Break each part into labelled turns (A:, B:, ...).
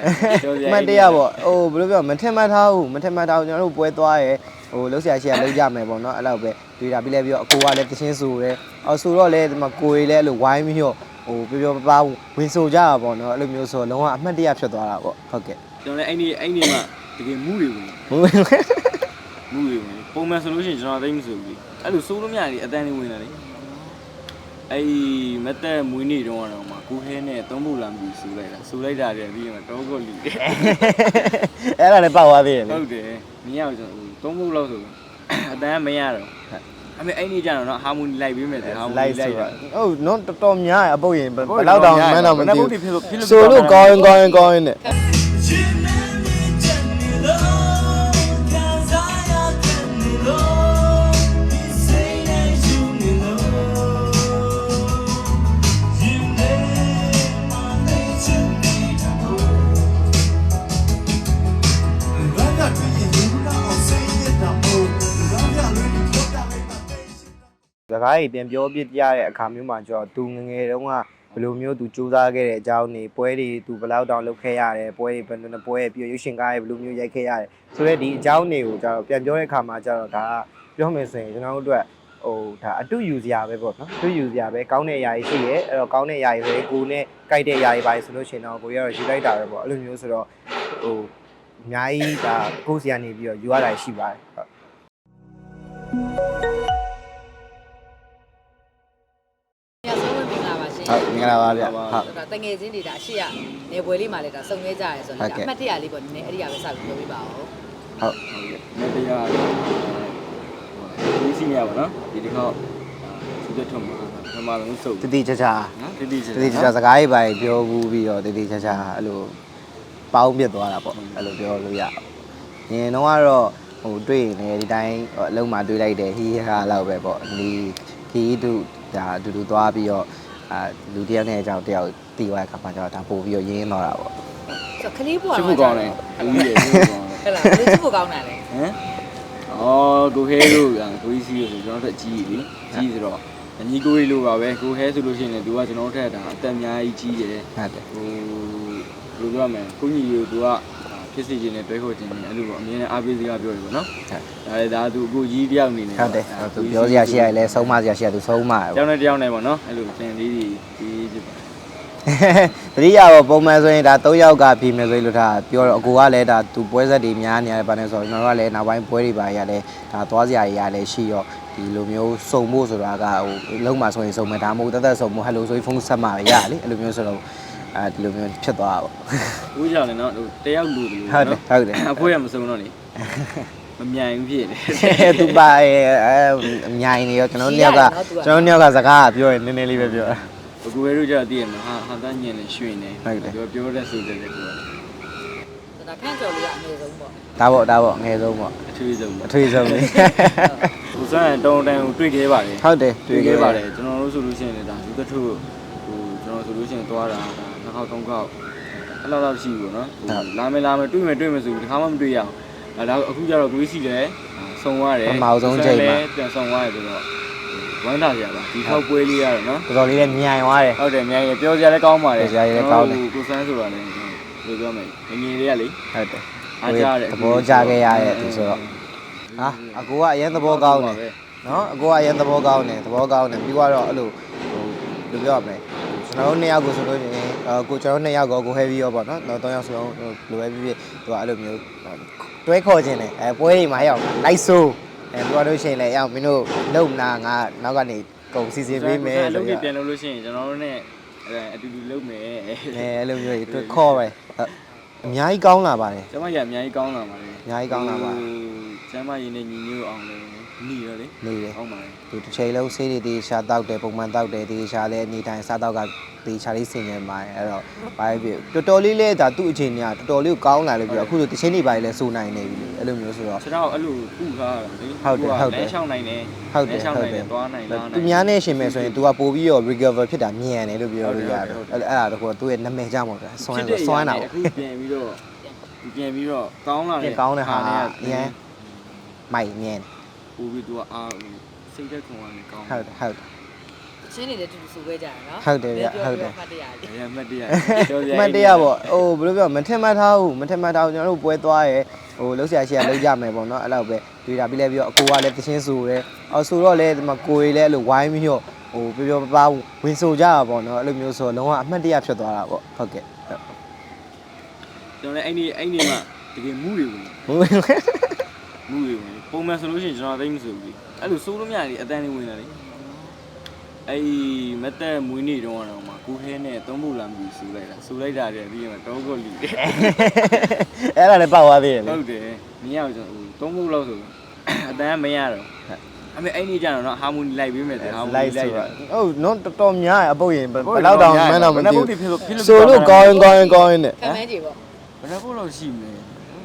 A: မှတ်တရပေါ့ဟိုဘယ်လိုပြောမထင်မှတ်ထားဘူးမထင်မှတ်ထားဘူးကျွန်တော်တို့ပွဲသွားရဲဟိုလှုပ်ရှားရှိရလှုပ်ကြမယ်ပေါ့နော်အဲ့လောက်ပဲတွေ့တာပြီးလဲပြီးတော့အကိုကလည်းတချင်းဆိုတယ်အော်ဆိုတော့လေဒီမှာကိုရီလည်းအဲ့လိုဝိုင်းပြီးတော့ဟိုပြောပပဝင်ဆိုကြတာပေါ့နော်အဲ့လိုမျိုးဆိုလုံးဝအမှတ်တရဖြစ်သွားတာပေါ့ဟုတ်ကဲ့
B: ကျွန်တော်လည်းအဲ့ဒီမှာတကယ်မူးတွေဝင်ပုံမှန်ဆိုလို့ရှိရင်ကျွန်တော်သိမဆိုဘူးအဲ့လိုစိုးလို့မရလေအတန်းလေးဝင်လာလေအဲ့မက်သက်မွေးနေ့တုန်းကတော့မှကိုဟဲနဲ့သုံးဖို့လာမှုစူလိုက်တာတည်းပြီးရင်တော့ကိုလူတယ်
A: အဲ့ဒါလည်းပောက်သွားသေးတယ်
B: ဟုတ်တယ်မင်းကကျွန်တော်သုံးဖို့လောက်ဆိုအတန်းမရတော့အမေအဲ့ဒီကျတော့နော်ဟာမိုနီလိုက်ပေးမယ်တဲ့ဟာမိုနီလိုက်တာ
A: ဟုတ်နော်တော်တော်များရအပုတ်ရင်ဘယ်လောက်တောင်မှန်းတော့မသိဘူး
B: ဆို
A: လို့ကောင်းနဲ့စကားကြီးပြန်ပြောပြကြတဲ့အခါမျိုးမှာကျွန်တော်သူငငယ်တုန်းကဘယ်လိုမျိုးသူစူးစမ်းခဲ့တဲ့အကြောင်းတွေပွဲတွေသူဘယ်လောက်တောင်လုပ်ခဲ့ရတယ်ပွဲတွေဘယ်လိုပွဲပြီးရုပ်ရှင်ကားတွေဘယ်လိုမျိုးရိုက်ခဲ့ရတယ်ဆိုတော့ဒီအကြောင်းတွေကိုကျွန်တော်ပြန်ပြောတဲ့အခါမှာကျွန်တော်ဒါပြောမယ်ဆိုရင်ကျွန်တော်တို့အတွက်ဟိုဒါအတူယူစရာပဲပေါ့နော်အတူယူစရာပဲကောင်းတဲ့အရာတွေရှိရဲအဲ့တော့ကောင်းတဲ့အရာတွေဆိုရင်ကိုနဲ့ကြိုက်တဲ့အရာတွေပါဆိုလို့ရှိရင်တော့ကိုရတော့ယူလိုက်တာပဲပေါ့အဲ့လိုမျိုးဆိုတော့ဟိုအများကြီးဒါကိုယ်စီကနေပြီးတော့ယူရတာရှိပါတယ်ဟုတ်ဟုတ်မင်္ဂလာပါဗျဟုတ်
C: တငယ်ချင်းတွေဒါအရှိရနေပွဲလေးမှာလည်းဒါစုံခဲ့ကြရဲဆိုတော့အမှတ်တရလေးပေါ့နည်းနည်းအဲ့ဒီကပဲစပြီးပြောပြပါဦး
A: ဟုတ်
B: နေတရားဒီစီရပါနော်ဒီတစ်ခေါက်သူတို့ထုံမှာပမာလုံးစုပ်
A: တတိချာချာ
B: နော်တ
A: တိချာစကားရေးပါပြောဘူးပြီးတော့တတိချာချာအဲ့လိုပေါင်းပြစ်သွားတာပေါ့အဲ့လိုပြောလို့ရအောင်ငင်တော့ကတော့ဟိုတွေ့နေဒီတိုင်းအလုံးမှာတွေ့လိုက်တယ်ဟီးဟာလောက်ပဲပေါ့ဒီခီးတူဒါအတူတူသွားပြီးတော့လူတယောက်နဲ့အကြောင်းတယောက်တီးသွားတဲ့ခါမှာကျတော့ဒါပို့ပြီးတော့ရင်းတော့တာပေါ့
C: ဆိုခလေးပွား
B: တော့ချစ်ဖို့ကောင်းတယ်အကြီးတယ်ချစ်ဖို့ကောင်း
C: တယ်ဟဲ့လားဘယ်ချစ်ဖို့ကောင်းတာလဲ
B: ဟမ်အော်ကိုဟဲတို့ကိုကြီးစီးဆိုကျွန်တော်တို့အကြီးလေကြီးဆိုတော့အညီကိုကြီးလိုပါပဲကိုဟဲဆိုလို့ရှိရင်သူကကျွန်တော်တို့ထက်ဒါအသက်အများကြီးကြီးတယ်
A: ဟုတ်တယ်
B: ဟိုဘယ်လိုပြောရမလဲကိုညီကိုသူကဖြစ်စီခြင်းနဲ့တွဲခေါ်ခြင်းနဲ့အဲ့လိုပေါ့အမြင်နဲ့အားပေးစကားပြောတယ်ပေါ့နော်ဒါသူအကိုကြီးတယောက်အနေနဲ့
A: ဟုတ်တယ်သူပြောစရာရှိရတယ်လဲဆုံးမစရာရှိရသူဆုံးမတယ်
B: တယောက်နဲ့တယောက်နဲ့ပေါ့နော်အဲ့လိုသင်လေးတွေကြီးဖြစ်ပါတယ်
A: တတိယပေါ့ပုံမှန်ဆိုရင်ဒါ3ယောက်ကပြီမယ်ဆိုလို့ဒါပြောတော့အကိုကလည်းဒါသူပွဲဆက်တွေများနေရတယ်ဗာနဲ့ဆိုတော့ကျွန်တော်တို့ကလည်းနောက်ပိုင်းပွဲတွေပါရတယ်ဒါသွားစရာတွေရတယ်ရှိရောဒီလိုမျိုးစုံဖို့ဆိုတာကဟိုလုံးမှာဆိုရင်စုံမယ်ဒါမှမဟုတ်တစုံဖို့ဟယ်လိုဆိုဖုန်းဆက်မှာရလေအဲ့လိုမျိုးဆိုတော့ဒီလိုမျိုးဖြစ်သွားတာပေါ့
B: ဦးကြောင့်လည်းနော်တယောက်လူတယ်
A: ဟုတ်တယ်
B: အဖိုးရမစုံတော့လေမမြိုင်ဘူးဖြစ်
A: တယ်သူပါအမြိုင်နေရောကျွန်တော်နှစ်ယောက်ကစကားပြောရင်နည်းနည်းလေးပဲပြောတာ
B: ကိုဝဲတို့ကြတည်ရမှာဟာတန်းညင်နေရွှေနေပြောတဲ့ဆိုတဲ့ကို
C: ဒါခန့်ကြော်လေးကအငယ်ဆုံးပေါ့
A: ဒါပေါ့အငယ်ဆုံးပေါ့
B: အထွေးဆုံး
A: လေ
B: ဟိုစမ်းတောင်းတန်းကိုတွေ့ခဲ့ပါတယ်
A: ဟုတ်တယ်
B: တွေ့ခဲ့ပါတယ်ကျွန်တော်တို့ဆိုလို့ရှိရင်လည်းဒါလူတထုဟိုကျွန်တော်ဆိုလို့ရှိရင်သွားတာနှစ်ခေါက်သုံးခေါက်အဲ့လောက်ရှိဘူးနော်လာမယ်တွေ့မယ်ဆိုပြီးတခါမှမတွေ့ရအောင်ဒါအခုကျတော့ကိုကြီးစီလည်းစုံသွားတယ်
A: ပမာဆုံးချိန်မှာ
B: ပြန်စုံသွားတယ်ဆိုတော့ဝမ်းသာကြပါဒီထောက်ပွဲလေးရတော့နော်
A: တော်တော်လေးလည်းမြိုင်သွားတယ်
B: ဟုတ်တယ်မြိုင်ရပြောစရာလည်းကောင်းပါတယ်
A: ပြောစရာလည်းကောင်းတယ်
B: ကိုစန်းဆိုတာလည်းဘယ်လိုပြောမလဲငငယ်လေးကလေ
A: ဟုတ်တယ်
B: အားကြတယ်
A: သဘောကြခဲ့ရတဲ့သူဆိုတော့ဟာအကိုကအရင်သဘောကောင်းတယ်နော်အကိုကအရင်သဘောကောင်းတယ်ပြီးတော့အဲ့လိုဟိုဘယ်လိုပြောရမလဲကျွန်တော်တို့2ယောက်ကိုဆိုလို့ရှိရင်ကိုကျွန်တော်2ယောက်ကိုဟဲပြီးရောပေါ့နော်3ယောက်ဆိုတော့လိုပဲဖြစ်သူကအဲ့လိုမျိုးတွဲခေါ်ခြင်းတယ်ပွဲတွေမှာရောက်လိုက်ဆိုးပြောလို့ရှိရင်လည်းရောက်မင်းတို့လုံနာငါနောက်ကနေကုန်စီစဉ်ပေးမယ်
B: လို့ပြန်လို့ရှိရင်ကျွန်တော်တို့ ਨੇ အတူတူလုပ်မယ်
A: အဲ့လိုမျိုးတွေခေါ်ပဲအများကြီးကောင်းလာပါတယ်
B: ကျမကြီးအများကြီးကောင်းလာပါတယ်
A: အများကြီးကောင်းလာပါတယ်
B: ကျမကြီးနဲ့ညီညွတ်အောင်လည်းနေရလေ
A: နေတယ်
B: ဟုတ်ပါတယ်
A: သူတစ်ချိန်လုံးဆေးတွေတေးရှာတောက်တယ်ပုံမှန်တောက်တယ်တေးရှာလဲအနေတိုင်းစားတောက်ကတေးရှာလေးဆင်ញင်ပါတယ်အဲ့တော့ဘာဖြစ်တော်တော်လေးလဲဒါသူ့အခြေအနေကတော်တော်လေးကိုကောင်းလာလို့ပြောအခုဆိုတစ်ချိန်နေပါလေစိုးနိုင်နေပြီအဲ့လိုမျိုးဆိုတော့
B: ကျွန်တော်အဲ့လိုပူထားတာလေလဲရှောင်းနိုင်တယ်သွားနိုင်လား
A: သူများနဲ့ရှင်မယ်ဆိုရင် तू ကပို့ပြီးတော့ recover ဖြစ်တာမြန်တယ်လို့ပြောလို့ရတယ်အဲ့ဒါတော့သူ့ရဲ့နာမည်ကြောင့်ပေါ့ဗျာစွမ်းတာပေါ့
B: အခုပြန်ပြီးတော့ကောင်းလာတယ်
A: ကောင်းတဲ့ဟာအရင်မိုက်မြန်
B: ပို့ပြီး तू ကအားစိတ်သက်ခွန်ကနေကောင်း
A: ဟုတ်
C: ချင်းတွေလည်းတူတူဆိုခဲ့ကြရနော်
A: ဟုတ်တယ်ဗျဟုတ်တယ်
C: မှတ်တရလေး
B: ။အမှတ်တရပြောပြ
A: မှတ်တရပေါ့ဟိုဘယ်လိုပြောမထင်မှတ်ထားဘူးကျွန်တော်တို့ပွဲသွားရဲဟိုလှုပ်ရှားရှိရလှုပ်ကြမယ်ပေါ့နော်အဲ့လောက်ပဲတွေ့တာပြီးလဲပြီးတော့အကိုကလည်းတချင်းဆိုရဲအော်ဆိုတော့လဲဒီမှာကိုရီလည်းအဲ့လိုဝိုင်းပြီးတော့ဟိုပြောပါဝင်ဆိုကြတာပေါ့နော်အဲ့လိုမျိုးဆိုလုံးဝအမှတ်တရဖြစ်သွားတာပေါ့ဟုတ်ကဲ့
B: ကျွန်တော်လည်းအဲ့ဒီမှာတကယ်မူတွေဝင်မူတွေဝင်ပုံမှန်ဆိုလို့ရှိရင်ကျွန်တော်သိမဆိုဘူးအဲ့လိုစိုးလို့မရလေအတန်းလေးဝင်လာလေအဲ့မက်သက်မွေးနေ့တုန်းကတော့မှကိုခဲနဲ့သုံးဖို့လာမှုဆိုလိုက်တာတည်းပြီးရင်တော့ကိုလီတယ်
A: အဲ့ဒါလည်းပောက်သွားသေးတယ်လေ
B: ဟုတ်တယ်မရဘူးကျွန်တော်သုံးဖို့လောက်ဆိုအတန်းမရတော့အမေအဲ့ဒီကျတော့နော်ဟာမိုနီလိုက်ပေးမယ်တဲ့ဟာမိုနီလိုက်တာ
A: ဟုတ်နော်တော်တော်များရအပုတ်ရင်ဘယ်လောက်တောင်မှန်းတော့မသိဘူး
B: ဖြစ်လို့
A: ဆိုလို့ကောင်းရင်နဲ့
C: ခံမန်းကြီးပေါ့
B: ဘယ်နှပုတ်လောက်ရှိမလဲ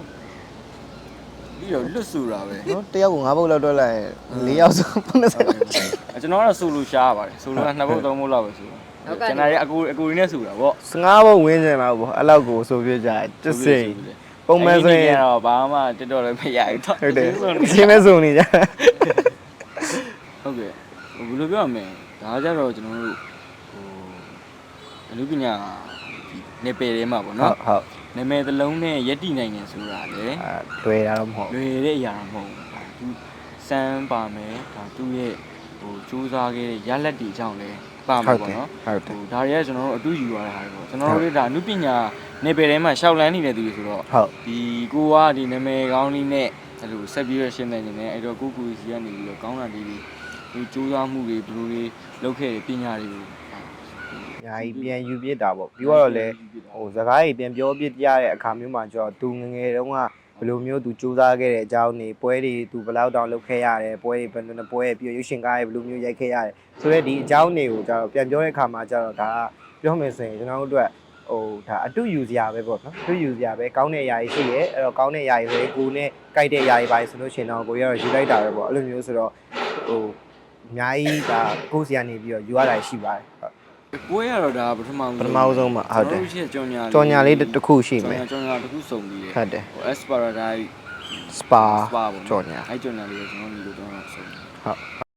B: ပြီးတော့လွတ်ဆိုတာပဲ
A: နော်တယောက်က9ပုတ်လောက်တွက်လိုက်4ယောက်ဆို90
B: ကျွန်တော်ကတော့ဆိုလိုရှားပါတယ်ဆိုလိုက2ပုတ်3ပုတ်လောက်ပဲဆိုကျွန်တော်ရဲ့အကိုရင်းနဲ့ဆိုတာပေါ့
A: 15ပုတ်ဝင်းကျင်လောက်ပေါ့အဲ့လောက်ကိုဆိုပြကြတယ်တစ်စိမ်ပုံမှန်ဆိုရင်
B: တော့ဘာမှတက်တော့လည်းမရဘူးတော့
A: ဟုတ်တယ်ရှင်းမဲစုံနေကြ
B: ဟုတ်ကဲ့ဘယ်လိုပြောရမလဲဒါကြတော့ကျွန်တော်တို့ဟိုအလူပညာနေပယ်ထဲမှာပေါ့
A: ဟုတ်
B: နော်
A: ဟုတ်
B: နာမည်တစ်လုံးနဲ့ရက်တည်နိုင်တယ်ဆိုတာလေ
A: တွေ့ရတော့မဟုတ်
B: လွယ်တဲ့အရာမဟုတ်ဘူးဒါသူစမ်းပါမယ်ဒါသူ့ရဲ့ဟိုစူးစမ်းခဲ့တဲ့ရလက်တွေအကြောင်းလဲပါမှာပေါ့နော်
A: ဟုတ်တယ်
B: ဟိုဒါတွေကကျွန်တော်တို့အတူယူရတဲ့ဟာတွေပေါ့ကျွန်တော်တို့လည်းဒါအနုပညာနေပယ်ထဲမှာရှောက်လန်းနေတဲ့သူတွေဆိုတော့
A: ဟုတ်
B: ဒီကိုကဒီနာမည်ကောင်းလေးနဲ့အဲ့လိုဆက်ပြီးရရှင်းနေနေတယ်အဲ့တော့ကိုစီကနေပြီးတော့ကောင်းတာလေးတွေဒီစူးစမ်းမှုတွေဘယ်လိုတွေလုပ်ခဲ့တဲ့ပညာတွေကို
A: ညာကြီးပြန်ယူပြစ်တာပေါ့ပြီးတော့လည်းဟိုစကားကြီးပြန်ပြောပြရတဲ့အခါမျိုးမှာကျတော့သူငငယ်တုန်းကဘယ်လိုမျိုးသူစူးစမ်းခဲ့တဲ့အကြောင်းတွေပွဲတွေသူဘယ်လောက်တောင်လုပ်ခဲ့ရတယ်ပွဲတွေဘယ်လိုပွဲပြီးရုပ်ရှင်ကားတွေဘယ်လိုမျိုးရိုက်ခဲ့ရတယ်ဆိုတော့ဒီအကြောင်းတွေကိုကျတော့ပြန်ပြောတဲ့အခါမှာကျတော့ဒါပြောမယ်ဆိုရင်ကျွန်တော်တို့အတွက်ဟိုဒါအတူယူစရာပဲပေါ့နော်အတူယူစရာပဲကောင်းတဲ့အရာကြီးရှိရဲအဲ့တော့ကောင်းတဲ့အရာကြီးဆိုရင်ကိုနဲ့ကြိုက်တဲ့အရာကြီးပါဆိုလို့ရှိရင်တော့ကိုရတော့ယူလိုက်တာပဲပေါ့အဲ့လိုမျိုးဆိုတော့ဟိုအများကြီးဒါကိုစီကနေပြီးတော့ယူရတာရှိပါတယ်ဟုတ်
B: ပွဲရတော့ဒါပထမဆုံး
A: ပထမဆုံးမှာဟုတ်တယ်
B: ကျွန်တော်တို့ရှိကြောင်ညာ
A: ကြော်ညာလေးတစ်ခုရှိမယ်
B: ကြောင်ညာတစ်ခုစုံပြီးတယ်
A: ဟုတ်တယ်
B: ဟို Asparagus
A: spa
B: ပေါ့
A: ကြော်ညာ
B: အဲ့ကြောင်ညာလေးကိုကျွန်တော်ညီလို့တော့စုံ
A: ဟုတ်